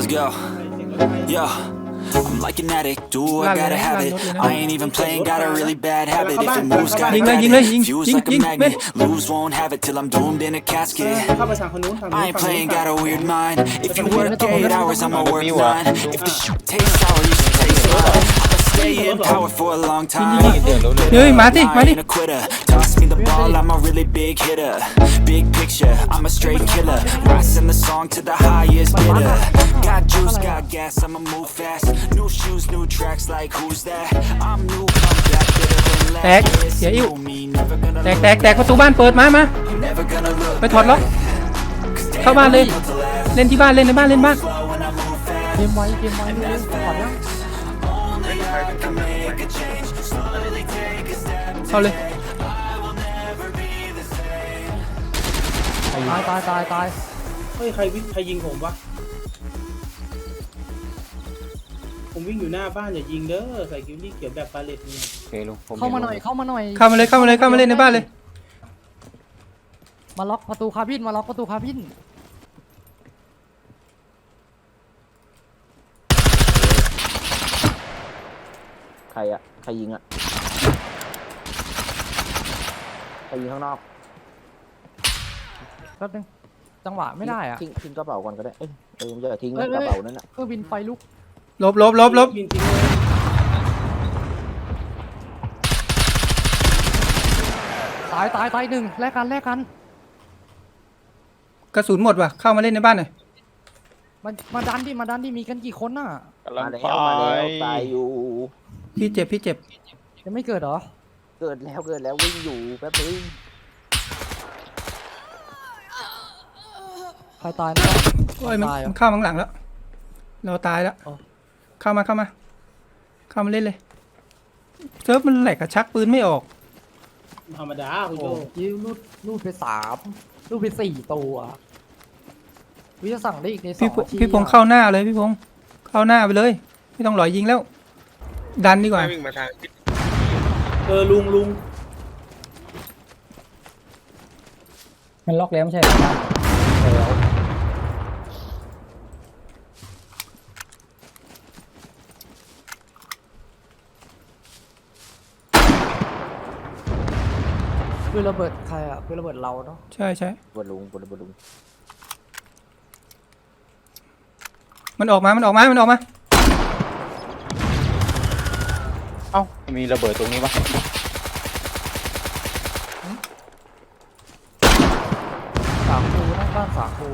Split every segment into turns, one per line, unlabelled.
Yo, yo, I'm like an addict, do I gotta have it. I ain't even playing, got a really bad habit. If it moves, gotta grab it. Feels like a magnet, lose, won't have it till I'm doomed in a casket.
เข้าไปทางคนนู้นฝั่งนู้น
I ain't playing, got a weird mind. If you work 8 hours, I'ma work 9. If the shit tastes sour, you should taste mine. I'ma stay in power for a long time.
เฮ้ยมาดิมาดิ
I ain't a quitter. Toss me the ball, I'm a really big hitter. Big picture, I'm a straight killer. Rising the song to the highest bidder. Got juice, got gas, I'ma move fast. New shoes, new tracks, like who's that? I'm new, come back, bitter than
แตก
last.
เสียอิ่ว
Know me, never gonna
แตกประตูบ้านเปิดมา
look, never gonna look
ไปถอดล็อกเข้าบ้านเลย เล่นที่บ้านเล่นในบ้านเล่นบ้าน
when I move fast.
เกมไว้เร็วถอดยัง
เข้าเลย
ตาย
เฮ้ยใครยิงผมวะผมวิ่งอยู่หน้าบ้านอย่ายิงเด้อใส่กิวนี่เขียวแบบปาเลตนี่
โอเคลุงผม
เข้ามาหน่อย
เข้ามาเลยในบ้านเลย
มาล็อกประตูคาบิน
ใครอะใครยิงอะใครยิงข้างนอก
แป๊บนึงจังหวะไม่ได้อะ
ทิ้งกระเป๋าก่อนก็ได้เอ้ยอย่าทิ้งนะกระเป๋านั่นอะ
เครื่องบินไฟลุก
ลบ
ยิงทิ้งเลย
ตายหนึ่งแลกกัน
กระสุนหมดว่ะเข้ามาเล่นในบ้านหน่อย
มาดันดิมีกันกี่คนน่ะ
มาแล้วตายอยู่
พี่เจ็บ
ยังไม่เกิดเหรอ
เกิดแล้ววิ่งอยู่แป๊บนึง
ใครตายนะ
โอ้ยมัน
ตายเหรอ
เข้ามาข้างหลังแล้วเราตายแล้ว
อ๋อ
เข้ามาเล่นเลยเซิร์ฟมันแหลกกระชักปืนไม่ออก
ธรรมดาคุณ
โอ้
โจ
ยิวรูดไป3รูดไป4ตัววิจะสั่งได้อีกใน2
พี่
นาที
พงษ์เข้าหน้าเลยพี่พงษ์เข้าหน้าไปเลย ไม่ต้องหลอยยิงแล้ว ดันดีกว่า
วิ่งมาทางทิศ
ลุง
มันล็อกแล้วไม่ใช่เหรอปืนระเบิดใครอ่ะปืนระเบิดเราเนาะ
ใช่
บนลุง
มันออกมา
เอ้ามีระเบิดตรงนี้ปะ
สามคูนั่งบ้านสามคู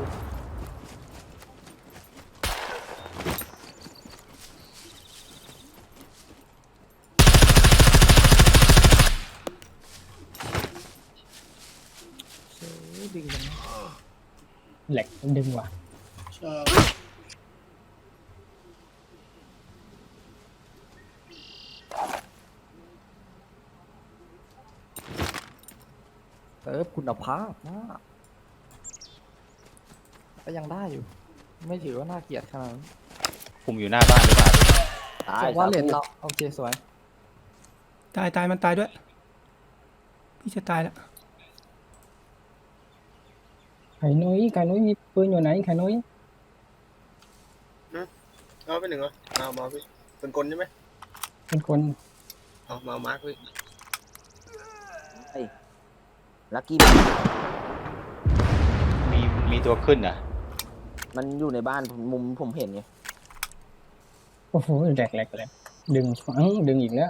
ดึงแหลกดึงว่ะ
ชอบ
เติร์ฟคุณภาพมากก็ยังได้อยู่ ไม่ถือว่าน่าเกลียดขนาดนั้น
ผมอยู่หน้าบ้านหรือเปล่าตาย
ว่าเหรียญเราโอเคสวย
ตายมันตายด้วย พี่จะตายแล้ว
ไข่นุ้ยมีปืนอยู่ไหนไข่นุ้ย
เอาไปหนึ่งเหรอมาพี่เป็นกลใช่ไหม
เป็นคน
เอามามาร์คพี่
ลักกี้
มีตัวขึ้นอ่ะ
มันอยู่ในบ้านมุมผมเห็นไง
โอ้โหแหลกดึงฝังดึงอีกแล้ว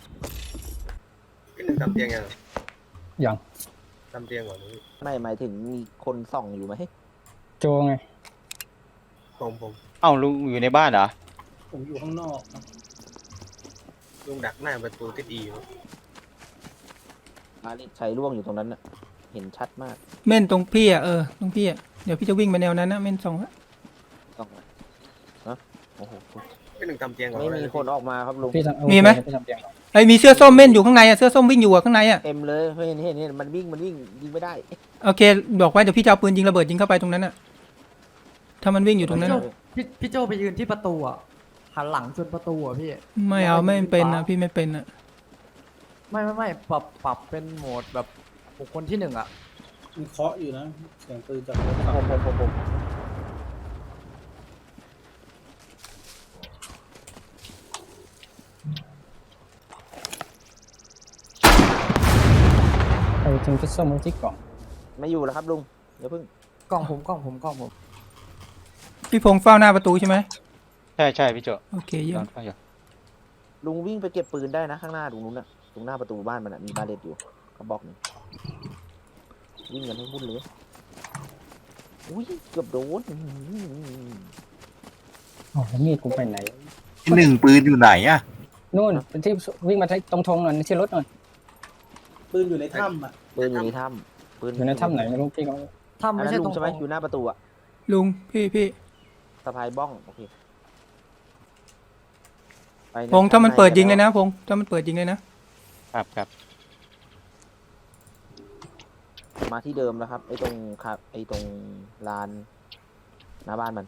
พี่หนึ่งทำเตียงยัง
อย่าง
ทำเตียงก่อนนะพี่
ไม่หมายถึงมีคนส่องอยู่ไหม
โจไง
ผม
เอ้าลุงอยู่ในบ้านเหรอ
ผมอยู่ข้างนอกนะ
ลุงดักหน้าประตูทิศอีอยู่
อาลิชัยร่วงอยู่ตรงนั้นน่ะเห็นชัดมาก
เม่นตรงพี่ตรงพี่เดี๋ยวพี่จะวิ่งไปแนวนั้นนะเม่น2ละ
ส่องนะโอ้โห
พี่หนึ่งทำเตียงก่อน
ไม่มีคนออกมาครับลุง
พี่ทำโอเค
มีไหม
พี่ทำเตียงก่อน
ไอ้มีเสื้อส้มเม่นอยู่ข้างในเสื้อส้มวิ่งอยู่ข้างใน
เต็มเลยเห็นมันวิ่งยิงไม่ได้
โอเคบอกไว้เดี๋ยวพี่จะเอาปืนยิงระเบิดยิงเข้าไปตรงนั้นถ้ามันวิ่งอยู่ตรงนั้น
พี่โจไปยืนที่ประตูอ่ะหันหลังจนประตูอ่ะพี่
ไม่เอาไม่เป็นนะพี่ไม่เป็นนะ
ไม่ปรับเป็นโหมดแบบบุคคลที่1อ่ะ
มันเคาะอยู่นะเสียงปืนจากรถ
ผม
ทีมชุดส้มมุจิกกล่อง
ไม่อยู่แล้วครับลุงอย่าเพิ่ง
กล่องผม
พี่พงษ์เฝ้าหน้าประตูใช่ไหม
ใช่ใช่พี่โจ
โอเคเยี่ยม
นอนอยู่
ลุงวิ่งไปเก็บปืนได้นะข้างหน้าตรงนู้นน่ะตรงหน้าประตูบ้านมันน่ะมีบาเลตอยู่เขาบอกหนึ่งวิ่งกันให้วุ่นเลยอุ้ยเกือบโดน
อ๋อแล้วมีดกูไปไหน
ที่หนึ่งปืนอยู่ไหนอะ
นู่นเป็นที่วิ่งมาตรงธงหน่อยที่รถหน่อย
ปืนอยู่ในถ้ำอ่ะ
ปืนอยู่ในถ้ำปืน
อยู่ในถ้ำไหนไม่รู้พี่ก็
ถ้ำ
อัน
ไม่
นั้น
ใช่
ลุ
ตรง ง
ใช่ไหมอยู่หน้าประตูอะ
ลุงพี่
สะพายบ้องโอเคไปะ
พงษ์ถ้ามันเปิดยิงเลยนะพงษ์ถ้ามันเปิดยิงเลยนะครับ
ครับ
มาที่เดิมแล้วครับไอ้ตรงครับไอ้ตรงลานหน้าบ้านมัน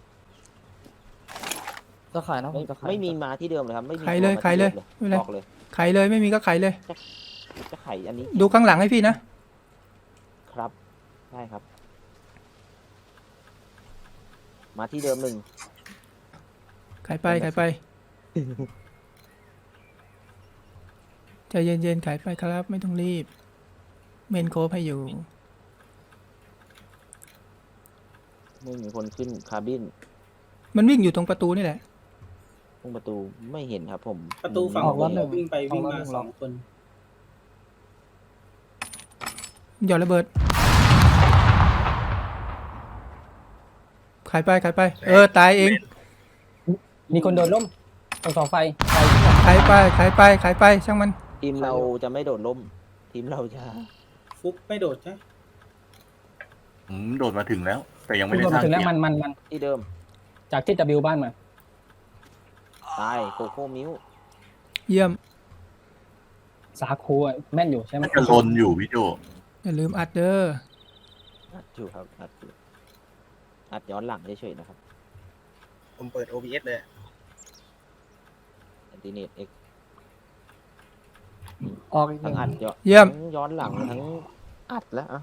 จะขายนะผ
ไม่
มจะขาย
ไม่มีมาที่เดิมเลยครับไม่มี
ไขเลย
ตัว
ไขเลย
มา
ไม่เป็นไร
ที่บอกเลย
ไขเลยไม่มีก็ไขเลย
จะไขอันนี้
ดูข้างหลังให้พี่นะครับ
ใช่ครับ มาที่เดิมหนึ่ง
ไขไปใจเย็นๆไขไปครับไม่ต้องรีบ เมนโคฟให้อยู่
ไม่มีคนขึ้นคาบิน
มันวิ่งอยู่ตรงประตูนี่แหละ
ตรงประตูไม่เห็นครับผม
ประตูฝั่ง
ออก
ผ
แล้ว
ม
หนึ่ง
วิ่งไปวิ่ง
ออก
มา
แล้วหนึ่ง
สองคน
หย่อนระเบิดไขไปตายเอง
มีคนโดดล่มตรงเสาไฟ
ไขไปช่างมัน
ทีมเราจะไม่โดดล่ม ทีมเราจะ
ฟุกไม่โดดใช่
โดดมาถึงแล้ว แต่ยังไม่
คุณ
ได้
โดด
สร้าง
มาถึงแล้ว
เกียร์
มัน
ที่เดิม
จากที่ W บ้านมา
ตายโกโก้มิว
เยี่ยม
สาคูอะแม่นอยู่ใช่ไหม
มันจะลนอยู่พี่โจ
อย่าลืมอัดเด้อ
อัดอยู่ครับอัดอยู่อัดย้อนหลังเฉยๆนะครับ
ผมเปิด OBS เลย
อันติเนตเอ็ก
ออกอีกห
ทั้
นึ่
ง
ง
อัด
เยี่ยม
ทั้งย้อนหลังทั้งอัดแล้วอะ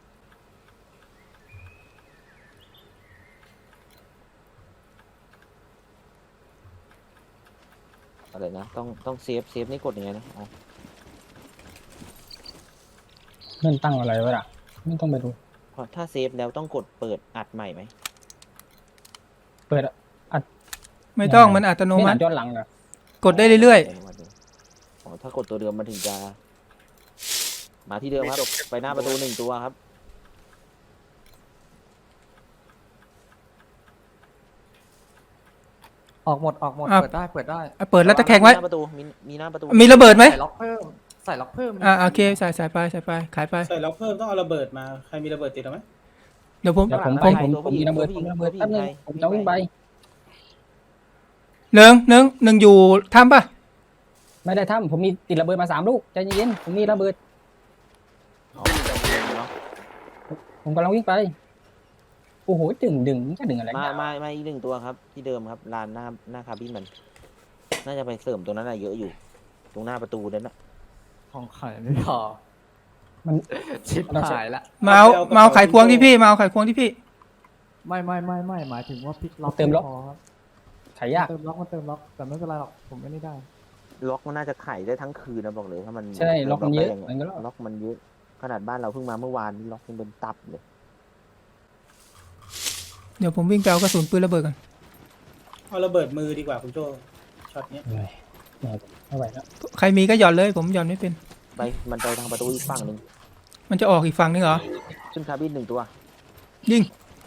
อะไรนะต้องเซฟนี่กดยังไงนะอ๋อ
เพื่อนตั้งอะไรไว้ล่ะไม่ต้องไปดู
พอถ้าเซฟแล้วต้องกดเปิดอัดใหม่ไหม
เปิด
ไม่ต้องมันอัตโน
ไม่ห
มั
นั
ติ
ย้อนหลังเหรอก
ดได้เรื่อย
อ๋อถ้ากดตัวเดิมมันถึงจะ มาที่เดิมครับไปหน้าประตูหนึ่งตัวครับ
ออกหมดเปิดได้
ๆเปิดแล้วตะแคงไว้
หน้าประตูมีหน้าประตู
มีระเบิดไหม
ใส่ล็อกเพิ่ม
โอเคใส่ไปขายไป
ใส่ล็อกเพิ่มต้องเอาระเบิดมาใครมีระเบิดติดเอาไหม
เดี๋ยวผม
เดี๋ยวผม
ไป
ผมมีระเบิดแป๊บนึงผมจะวิ่งไป
หนึ่งอยู่ถ้ำป่ะ
ไม่ได้ทำผมมีติดระเบิดมา3 ลูกใจเย็นๆผมมีระเบิด
อ๋อเนาะ
ผมกำลังวิ่งไปโอ้โหดึงจะดึงอะไร
มาอีกหนึ่งตัวครับ ที่เดิมครับลานหน้าคาบินมัน น่าจะไปเสริมตรงนั้นอะเยอะอยู่ ตรงหน้าประตูนั้นนะ
ของขายไม่พอ
มัน
ชิบหายละ
เมาเอาไขควงที่พี่มาเอาไขควงที่พี่
ไม่หมายถึงว่าพลิกล็อก
เติมล็อก
พอครับ
ถ่ายยาก
เติมล็อกแต่ไม่เป็นไรหรอกผมไม่ได้
ล็อกมันน่าจะไขได้ทั้งคืนนะบอกเลยถ้ามัน
ใช่ล็อกมันเยอะ
ได้าง
มันก็
ล็อกมันเยอะ ขนาดบ้านเราเพิ่งมาเมื่อวานนี่ล็อกยังเป็นตับเลย
เดี๋ยวผมวิ่งไปเอากระสุนปืนระเบิดก่อน
เอาระเบิดมือดีกว่าคุณโจช็อตเนี้ย
เหนื่อยไม่ไหวแล้ว
ใครมีก็หย่อนเลยผมหย่อนไม่เป็น
มันไปทางประตูอีกฝั่งหนึ่ง
มันจะออกอีกฝั่งนึงเหรอ
ขึ้นคาบินหนึ่งตัว
ยิง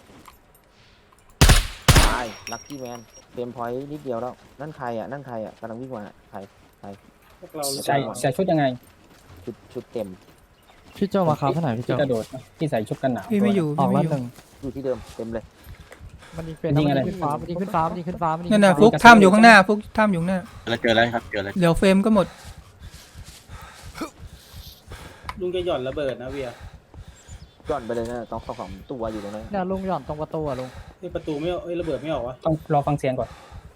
ตายลัคกี้แมนเต็มพอยต์นิดเดียวแล้วนั่นใครอ่ะกำลังวิ่งมาใคร
พวกเรา
ใส่ชุดยังไง
ชุดเต็ม
พี่โจมาครับเท่าไหร่พี่โจ
ที่กระโดดที่ใส่ชุดกันหนาว
พี่ไม่อยู่
ออก
พี่
แล้
ไม่
ว
อยู่
หนึ่ง
อยู่ที่เดิมเต็มเลย
มันยิงเป็น
ยิงอะไร
ขึ้นฟ้ามันยิงขึ้นฟ้า
นั่นน่ะฟุกถ้ำอยู่ข้างหน้าฟุกถ้ำอยู่ข้างหน้า
เจอแล้วครับเจอแล้ว
เดี๋ยวเฟรมก็หมด
ลุงจะหย่อนระเบิดนะเวีย
ย้อนไปเลยนะต้องสองตัวอยู่ตรงนั้น
เนี่ยลุงหย่อนตรงประตูอะลุง
นี่ประตูไม่เอาระเบิดไม่ออกวะ
ต้องรอฟังเสียงก่อน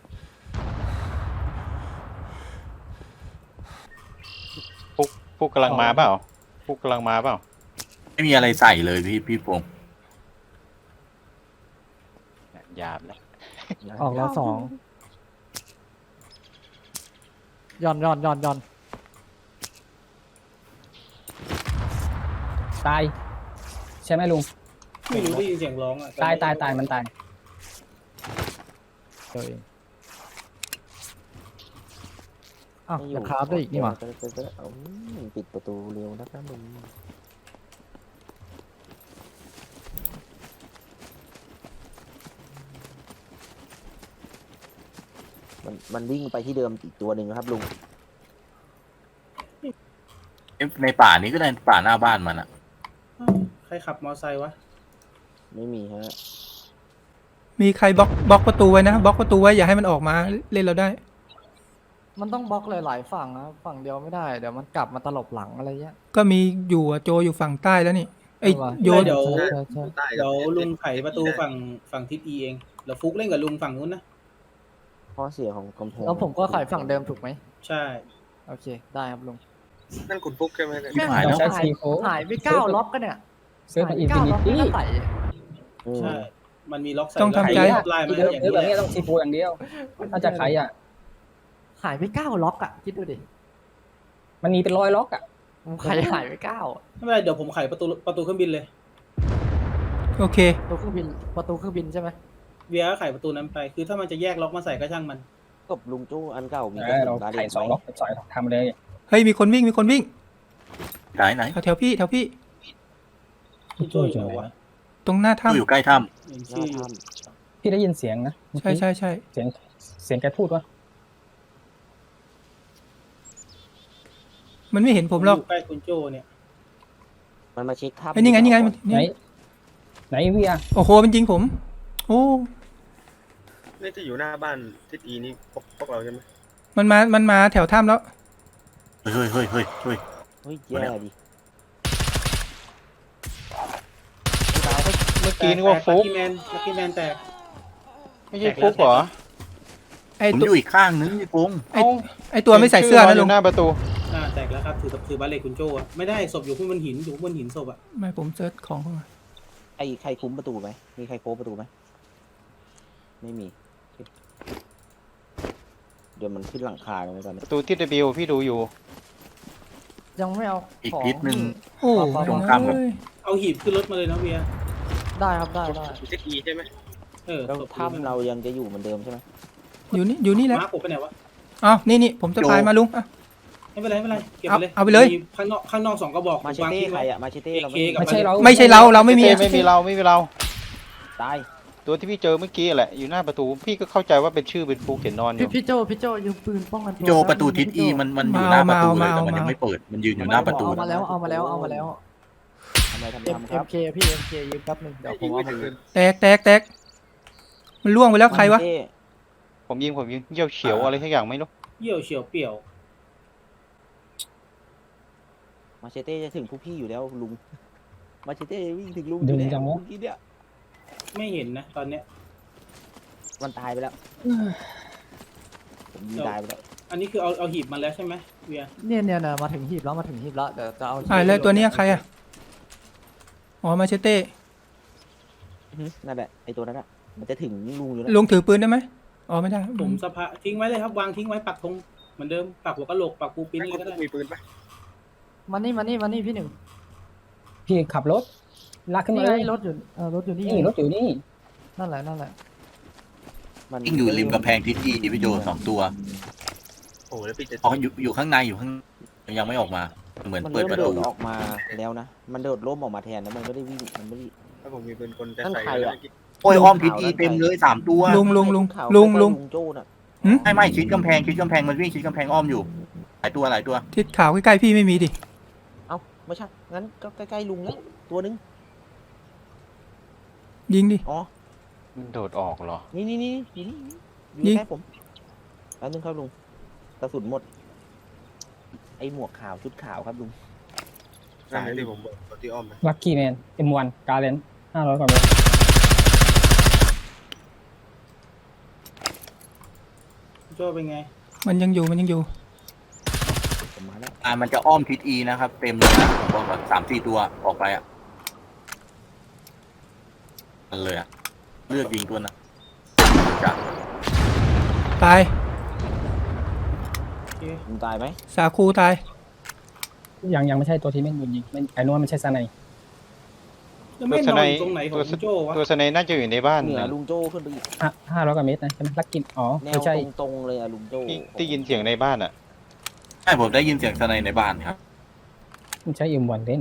ฟุกกำลังมาเปล่าฟุกกำลังมาเปล่า
ไม่มีอะไรใส่เลยพี่พงษ์
หยาบนะ
ออกแล้ว2หย่อน
ตายใช่ไหมลุง
ไม่รู้ได้ยินเสียงร้องอ่ะ
ตายมันตาย
ตัวเองอ้าวจะคราฟได้อีกนี่หว่า
เอาปิดประตูเร็วนะครับลุงมันวิ่งไปที่เดิมอีกตัวหนึ่งนะครับลุง
ในป่านี้ก็ได้ป่าหน้าบ้านมันอ่ะ
อ้าวใครขับมอไซค์วะ
ไม่มีฮะ
มีใครบล็อกประตูไว้นะบล็อกประตูไว้อย่าให้มันออกมาเล่นเราได้
มันต้องบล็อกหลายๆฝั่งนะฝั่งเดียวไม่ได้เดี๋ยวมันกลับมาตลบหลังอะไรเงี้ย
ก็มีอยู่อะโจอยู่ฝั่งใต้แล้วนี่ไอ้
ว่ะ
โยน
เดี๋ยว
ใช่ใช่
ใต้
เดี๋ยวลุงไขประตูฝั่งทิศอีเองเดี๋ยวฟุกเล่นกับลุงฝั่งนู้นนะ
ข้อเสียของกำแพง
แล้วผมก็ขายฝั่งเดิมถูกไหม
ใช่
โอเคได้ครับลุง
นั่นคุณฟุกใช่ไหมเนี่ย
ชิบหายแล้ว
ใช้ซีโฟ
หายไป9ล็อกกันเนี่ย
ซื้อมาอินฟินิ
ล็อก
ตี้
ก็ใส่
อืม
ใช่ มันมีล็อกใส่
ต้องทำใจ
แล้วไล่มา
เดิ
แล้ว
ม
อย่าง
ซื้อ
นี้
แบบนี้ต้องซีโฟอย่างเดียว ถ้าจะขายอ่ะ
หายไป9ล็อกอ่ะคิดดูดิ
มันมีเป็น100 ล็อกอ่ะ
ผมขายหายไป9
ไม่เป็นไรเดี๋ยวผมไขประตูเครื่องบินเลย
โอเค
ประตูเครื่องบินใช่ไหม
เวียก็ไขประตูนั้นไป คือถ้ามันจะแยกล็อกมาใส่ก็ช่างมัน
กับลุงจู้อันเก่ามี
เรา
บาเล
ขาย
ต
2 ล็อกเป็น2 ล็อกทำเลย
เฮ้ยมีคนวิ่ง
ไหน
แถวพี่
คุณโจ้อยู่ไหนวะ
ตรงหน้า
อยู่
ถ้ำ
ใกล้ถ้
เห็น
หน้า
ชื่ออยู่
ถ้
พี่ได้ยินเสียงนะ
ใช่
เสียงแกพูดว่า
มันไม่เห็นผมหรอก
ยู่ใกล้คุณโจ้เนี่ย
ำมันมาเช็คถ้ำ
ไอ้นี่ไง
ไหน
นี่
ไหนเวีย
โอ้โหมันยิงผม โอ้
นี่ที่อยู่หน้าบ้านทิศอีนี่พวกเราใช่ไหม
มันมาแถวถ้ำแล้ว
ำเฮ้ย
เฮ้ยแย่ดิ
เมื่อกี้นึกว่าฟุก
ลัคกี้แมนแตก
ไม่ใช่ฟุกเหรอ
ไอ้
ผม
ตัว
อยู่อีกข้างนึงพี่พงษ์
ไอ้ตัวไม่ใส่เสื้อนะลุง
หน้าประตู
แตกแล้วครับถือบาเลตคุณโจ้อะไม่ได้ศพอยู่ข้างบนหินอยู่ข้างบนหินศพอ่ะ
ไม่ผมเซิร์ชของเข้ามา
ใครคุ้มประตูไหมมีใครโค้งประตูไหมไม่มี เดี๋ยวมันขึ้นหลังคาแล้วตอน
ป
นี้
ระตูที่ W พี่ดูอยู่
ยังไม่เอา
อีก
ของ
ทิศหนึ่ง
โอ้
ตรงข้ามกับ
เอ้ย
เอาหีบขึ้นรถมาเลยนะเวีย
ได้ครับได้
ทิศอีใช่ไหม
แล้วถ้ำเรายังจะอยู่เหมือนเดิมใช่ไหม
อยู่นี่แหละ
มาร์คผมไปไหนวะ
อ้าวนี่ผมจะพายมาลุงอ่ะ
ไม่เป็นไรเก็บไปเลย
เอาไปเลย
มีข้างนอก2กระบอก
มาเช
วาง
เต้
ทิ้ง
ใคร
ไว้
อะมาเชเต้เรา
AK กับ
ไม่ใช่เรา
ไม่ใช่เราไม่มี
ไม่มีเรา
ตาย
ตัวที่พี่เจอเมื่อกี้แหละอยู่หน้าประตูพี่ก็เข้าใจว่าเป็นชื่อเป็นฟุกเห็นนอนอยู่
พี่โจยืมปืนป้องกันตัว
โจประตูทิศ E มันอยู่หน้าประตูเลยแต่มันยังไม่เปิดมันยืนอยู่หน้าประตู
เอามาแล้ว
ทำไมทำ
MK พี่ MK ยืมแป๊บนึงเดี๋ยวผมเอามาคืน
แตกมันล่วงไปแล้วใครวะ
ผมยิงเยี่ยวเฉียวอะไรสักอย่างไม่รู้
เยี่ยวเฉียวเปี่ยว
มาเชเต้จะถึงพวกพี่อยู่แล้วลุงมาเชเต้วิ่งถึงลุง
ดึงจังวะ
เมื่อกี้เนี่ย
ไม่เห็นนะตอนเนี้ย
มันตายไปแล้วผมยิงตายไปแล้ว
อันนี้คือเอาหีบมาแล้วใช่ไหมเวีย
เนี่ยมาถึงหีบแล้วเดี๋ยวจะเอา
แล้วตัวเนี้ยใครอ่ะอ๋อมาเชเต้
นั่นแหละไอตัวนั้นอะมันจะถึงลุงอยู่แล้ว
ลุงถือปืนได้ไหมอ๋อไม่ได้
ผมสภาทิ้งไว้เลยครับวางทิ้งไว้ปักธงเหมือนเดิมปักหัวกะโหลกปักปูปิ้น
นั่น
เลย
คุ
ก็
ณ
ได้
ฟุกมีปืนปะ
มานี่พี่หนึ่ง
พี่ขับรถลากขึ้น
นี่
มา
ไง
เลย
รถอยู่นี่
นี่รถอยู่นี่
นั่นแหละ
มัน
ยิ่งอยู่ริมกำแพงทิศ E พี่โจ2 ตัว
โอ้แล้วพี่จะ
อ๋ออยู่ข้างในยังไม่ออกมาเหมือน
มัน
เปิด
เริ่ม
ประ
โด
ตู
ดออกมาแล้วนะมันโดดร่มออกมาแทนแล้วมันไม่ได้วิ่งมันไม่ได้
ถ้าผมมีปืนคนจะ
นั่น
ใส่
ใครอะ
โอ้ยอ้อมทิศ E เต็มเลย3 ตัว
ลุง
ข่าวใกล้ๆโจ้น่ะ
ไม่ชิดกำแพงมันวิ่งชิดกำแพงอ้อมอยู่หลายตัว
ทิศขาวใกล้ๆพี่ไม่มีดิ
เอ้าไม่ใช่งั้นก็ใกล้ๆลุงแล้วตัวนึง
ยิงดิ
อ๋อ
มันโดดออกเหรอ
นี่อยู่
ยิ
นี่
ง
ใกล้ผมแล้วนึงครับลุงกระสุนหมดไอหมวกขาวชุดขาวครับลุง
นั่นที่ผมบอกตัวที่อ้อมไป
ลัคกี้แมน M1 กาเลน500 กว่าเมตร
โจ้เป็นไง
มันยังอยู่
ผมมาแล้ว
มันจะอ้อมทิศ E นะครับเต็มเลยนะผมบอกก่อน3-4 ตัวออกไปอ่ะนั่นเลยอ่ะเลือกยิงตัวนะจ้ะ
ตาย
ลุงตายไหม
สาคูตาย
ยังไม่ใช่ตัวที่แม่นโดนยิงไอ้นู้นมันใช่ซาไน
จะไม่นอนอยู่ตรงไหนของลุงโจ้วะ
ตัวสไนน่าจะอยู่ในบ้าน
เหนือ
นะ
ลุงโจ้ขึ้นไปอีก
500 กว่าเมตรนะใช่ไหมลักกินอ๋อ
แน
ไม่
ว
ใช่
ตรงๆเลยอะลุงโจ้
ที่ได้ยินเสียงในบ้านอ่ะ
ใช่ผมได้ยินเสียงสไนในบ้านครับ
ไม่ใช่M1เล่น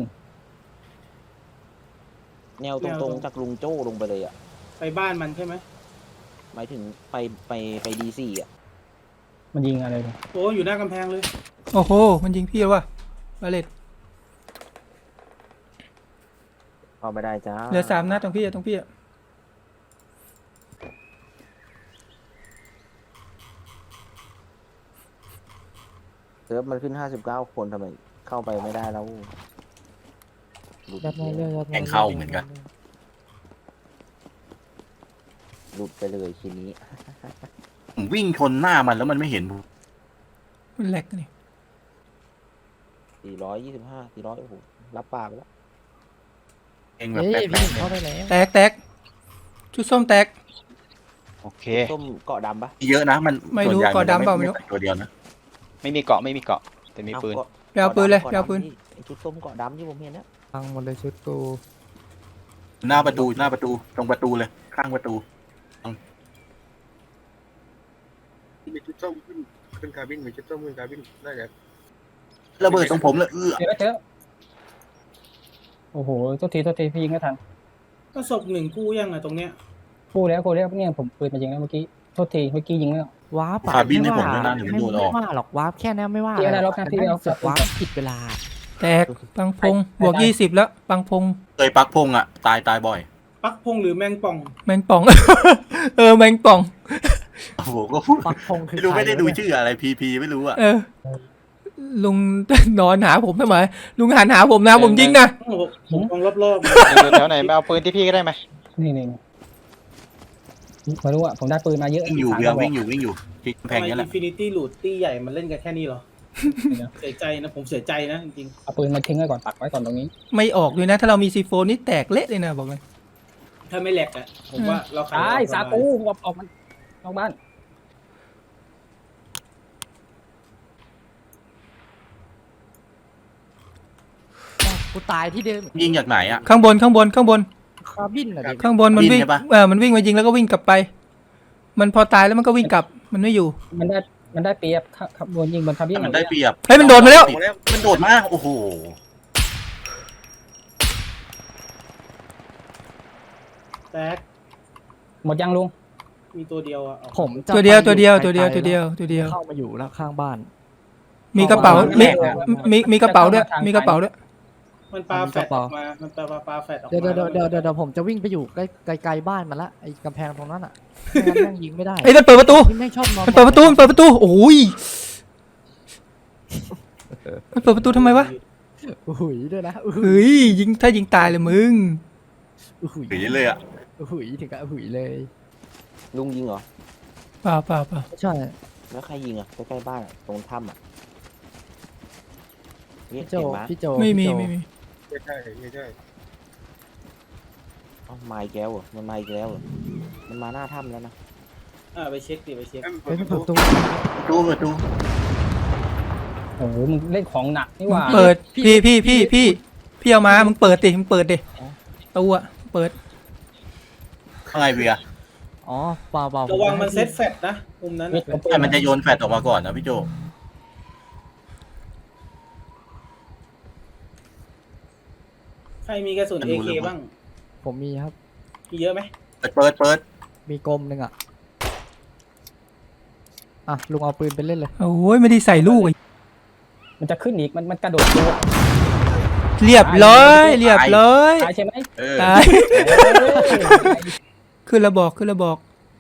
แนวตรงๆจากลุงโจ้ลงไปเลยอะ
ไปบ้านมันใช่ไหม
หมายถึงไปD4อะ
มันยิงอะไรเนี่ย
โอ้อยู่หน้ากำแพงเลย
โอ้โห มันยิงพี่แล้วว่ะบาเลต
เข้าไม่ได้จ้า
เหลือ3 นัดตรงพี่อะตรงพี่อะ
เซิร์ฟมันขึ้น59 คนทำไมเข้าไปไม่ได้แล้วหลุด
ยัดมาเรื่อยยัดมา
แข่งเข้าเหมือนกัน
หลุดไปเลยทีนี้
ผมวิ่งชนหน้ามันแล้วมันไม่เห็นผม
มันแหลกนี่
425 400โอ้โหรับปากไปแล้ว
เองแบบ
เฮ้ย
แป๊
พี่
บ
เข้าได้แล้ว
แตกชุดส้มแตก
โอเค
ส้มเกาะดำปะ
ๆเยอะนะมัน
ไม่รู้
ส่วนใหญ่
ก่อดำเปล่าไม่รู้
ใส่ตัวเดียวนะ
ไม่มีเกาะไม่มีเกาะแต่มีปืน
ไปเอาปืนเลยไปเอาปืน
ไอ้ชุดส้มเกาะดำที่ผมเห็นนะ
พังหมดเลยชุดกู
หน้าประตูตรงประตูเลยข้างประตู
มีชุดส้มขึ้นคาบินมีชุดส้มขึ้นคาบินน่าจะ
ระเบิดตรงผมเลย
เจอโอ้โหโทษทีพี่ยิงไม่ทัน
ก็ศพ1กู้ยังอะตรงเนี้ย
กูแล้วเนี่ยผมปืนมายิงแล้วเมื่อกี้โทษทีเมื่อกี้ยิงแล้ว
วาร์ป
คาบินให้ผมด้วยนะเดี๋ยวมันโดนออก
ไม่ว่าหรอกวาร์ปแค่นี้ไม่ว่า
พี่อะไรหรอกนะพี่เอา
เสือกวาร์ปผิดเวลา
แตกปังพงบวก20แล้วปังพง
เคยปักพงอ่ะตายบ่อย
ปักพงหรือแมงป่อง
แมงป่อง แมงป่อง
โอ้โหก็พูด
ปักพงคือ
ไม่ได้ดู
ใครวะเนี่ย
ชื่ออะไรพีไม่รู้อ่ะ
ลุง นอนหาผมทำไมลุงหันหาผมนะผมยิงนะ
โอ้โหผมมองรอบ
อยู่แถวไหนมาเอาปืนที่พี่ก็ได้ไหม
นี่ไม่รู้อ่ะผมได้ปืนมาเยอะ
วิ่งอยู่
3
เบียร์
กระบ
วิ่
อก
งอยู่ที่
ๆ
แพ
ทำ
ง
ไม
นี้แห
อิ
ละ
นฟินิตี้ลูดตี้ใหญ่มันเล่นกันแค่นี้เหรอ เสียใจนะผมเสียใจนะจริง
เอาปืนมาทิ้งไว้ก่อนปักไว้ก่อนตรงนี้
ไม่ออกด้วยนะ ถ้าเรามีซีโฟนี่แตกเละเลยนะบอกเลย
ๆถ้าไม่แหลกอะผมว่าเราขาย
ตาย
ออก
สา
ประมณ
ปูออกมันนอกบ้าน
กูตายที่เดิม
ยิงจากไหนอ่ะ
ข้างบน
คาบินเหรอดิ
ข้างบนมันวิ่ง
บินใช่ปะ
มันวิ่งมายิงแล้วก็วิ่งกลับไป มันพอตายแล้วมันก็วิ่งกลับมันไม่อยู่
มันได้เปรียบขับบนยิงบนคาบิน
มันได้เปรียบ
เฮ้ยมันโดดมาแล้ว
มันโดดมาโอ้โห
แตก
หมดยังลุง
มีตัวเดียวอะเอา
ผมจะ
ตัวเดียว
ไป
ตัวเดียว
ไกลๆ
ตัวเดียว
เข้ามาอยู่แล้วข้างบ้าน
มีกระเป๋า
เอา
มี
เอา
มีกระเป๋าด้วยมีกระเป๋าด้วย
มันปลาแฟดออกมา มันปลาแฟดออกมา
เดี๋ยวผมจะวิ่งไปอยู่ใกล้ๆบ้านมันละไอ้กำแพงตรงนั้นอ่ะไม่งั้นแม่งยิงไม่ได้
เฮ้ยมันเปิดประตู
ไม่ชอบนอน
มันเปิดประตูมันเปิดประตูโอ้ยมันเปิดประตูทำไมวะ
หุยด้วยนะอุ้ย
เฮ้ยยิงถ้ายิงตายเลยมึง
หุย
หนีเลยอ่ะ
หุยถึงกับหุยเลย
ลุงยิงเหรอ
เปล่าเปล่าเปล่า
ใช่
แล้วใครยิงอ่ะใกล้ๆบ้านอะตรงถ้ำอ่ะนี่
พี่โจ
เห็นไหม
พี่โจ
ไม่มี
พี่โจ
ไม่มี
ไม่ใช่ไม่ใช่
เอ้ามาอีกแล้วเหรอมันมาอีกแล้วเหรอมันมาหน้าถ้ำแล้วนะ
ไปเช็คดิไปเช็ค
เฮ้ยมันเปิดประตู
ประตู
โอ้โหมึงเล่นของหนักนี่หว่า
เปิดพี่เอามามึงเปิดดิมึงเปิดดิตัวเปิด
ข้างในเบียร์
อ๋อเปล่า
ระวังมันเซตแฟดนะมุมนั้น
เม็ด
อะ
ของปื
แต่มันจะโยนแฟดออกมาก่อนนะพี่โจ
ใครมีกระสุน AK บ้าง
ผมมีครับ
มีเยอะไหม
เปิด
มีกลมหนึ่งอ่ะอ่ะลุงเอาปืนไปเล่นเลย
โอ้ยไม่ได้ใส่ลูก
มันจะขึ้นอีกมันกระโดดตัว
เรียบร้อยเรียบร้อย
ตายใช่ไหม
ตายขึ้นระบอกขึ้นระบอก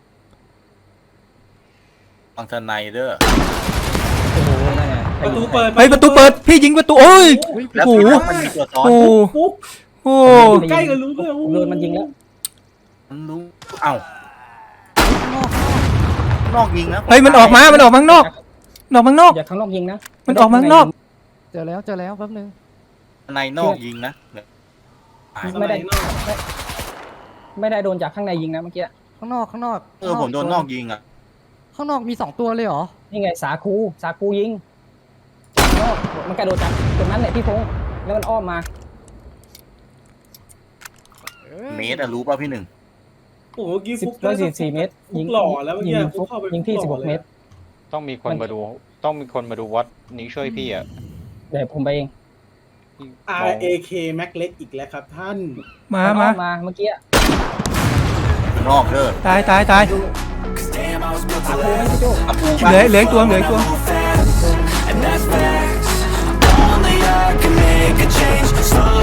ฟังทนายเด้อ
โอ้โหนั่นไง
ประตูเปิด
เฮ้ยประตูเปิดพี่ยิงประตูโอ้ย
แล้ว
โอ้โห
มันมีตัวซ้อน
โอ้
ปุ๊บ
โอ้
ใกล้กันรู้เลย
โดนมันยิงแล้ว
มันรู้เอ้านอกยิงนะ
เฮ้ยมันออกมาข้างนอกออกข้างนอก
อย่าข้างนอกยิงนะ
มันออกมาข้างนอก
เจอแล้วแป๊บนึง
ในนอกยิงนะ
ไม่ได้โดนจากข้างในยิงนะเมื่อกี้
ข้างนอก
ผมโดนนอกยิงอ่ะ
ข้างนอกมี2ตัวเลยเหรอ
นี่ไงสาคูยิงข้างนอกมันกระโดดจากตรงนั้นแหละพี่พงษ์แล้วมันอ้อมมา
เมตรอะรู้ป่ะพี่หนึ่ง
โอ้โหเมื่อกี้ฟุก
144 เมตร
ฟุกหล่อแล้วเมื่อกี้
ยิง
ฟุ
ฟุ
ก
ก
เข้าไป
ยิงพี่
ฟุกหล่อ
16 เมตร
ต้องมีคนมาดู ต้องมีคนมาดูวัดนี้ช่วยพี่อ่ะ
เดี๋ยวผมไปเอง
พี่
เลย RAK Mac เล็กอีกแล้วครับท่าน
มา
มา
มา
เมื่อกี้
นอกเด้อ
ตายตายตาย
Cause damn, I was built to
ไม่
last.
ใช่โจ้
เหลืออีกตัวเหลืออีกตัว
Move fast, and that's facts. Only I can make a change. Slow